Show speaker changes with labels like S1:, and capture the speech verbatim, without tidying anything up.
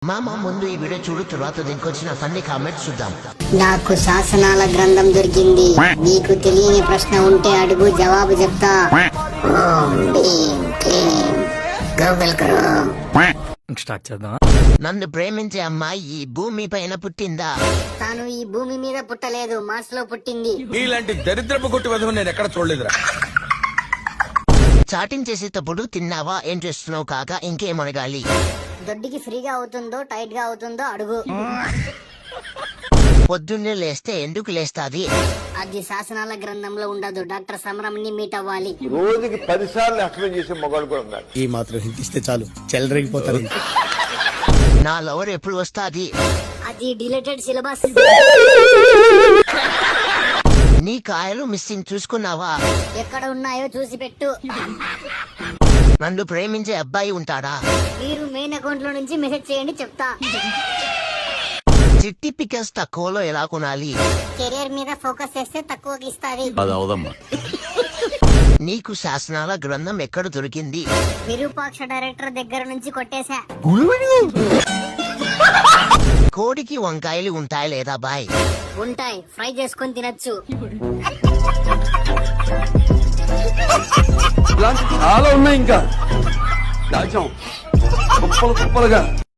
S1: మామ ముందు ఈ వీడియో చూడు, తర్వాత దీనికి వచ్చిన ఫన్నీ కామెంట్స్ చూద్దాం.
S2: నాకు శాసనాల గ్రంథం దొరికింది. నీకు తెలియని ప్రశ్న ఉంటే అడుగు, జవాబు చెప్తా. ఓం భీం క్లీం గూగుల్ క్రోమ్.
S3: స్టార్ట్ చేద్దాం.
S1: నన్ను ప్రేమించే అమ్మాయి ఈ భూమి పైన పుట్టిందా?
S2: తాను ఈ భూమి మీద పుట్టలేదు, మార్స్ లో పుట్టింది.
S4: ఇలాంటి దరిద్రపు కొట్టి వధువు నేను ఎక్కడ చూడలేదురా.
S1: చాటింగ్ చేసేటప్పుడు తిన్నావా, ఏం చేస్తున్నావు కాక, ఇంకేం అడగాలి?
S2: దొడ్డికి ఫ్రీగా అవుతుందో టైట్ గా అవుతుందో అడుగు.
S1: పొద్దున్నే లేస్తే ఎందుకు లేస్తాది?
S2: అది శాసనాల గ్రంథంలో ఉండదు. డాక్టర్ సమరంని మీట్ అవ్వాలి.
S5: రోజుకి పది సార్లు ఎక్స్ప్లెయిన్ చేసే మొగాడు కూడా ఉన్నారు.
S3: ఈ మాత్రం హింట్ ఇస్తే చాలు, చెలరేగిపోతారు.
S1: నా లవర్ ఎప్పుడు వస్తాది?
S2: అది డిలేటెడ్ సిలబస్.
S1: నీ కాయలు మిస్సింగ్ చూసుకున్నావా?
S2: ఎక్కడ ఉన్నాయో చూసి పెట్టు.
S1: నన్ను ప్రేమించే అబ్బాయి ఉంటాడా?
S2: మీరు మెయిన్ అకౌంట్ లో నుంచి మెసేజ్ చేయండి, చెప్తా.
S1: చిట్టి పికల్స్ తక్కువలో ఎలా కొనాలి?
S2: కెరియర్ మీద ఫోకస్ చేస్తే తక్కువకి ఇస్తాది.
S1: నీకు శాసనాల గ్రంథం ఎక్కడ దొరికింది?
S2: విరూపాక్ష డైరెక్టర్ దగ్గర నుంచి కొట్టేశా.
S1: కోడికి వంకాయలు ఉంటాయి లేదా బాయ్?
S2: ఉంటాయి, ఫ్రై చేసుకొని తినచ్చు.
S6: ఇలాంటి చాలా ఉన్నాయి. ఇంకా దాచాం కుప్పలు కుప్పలుగా.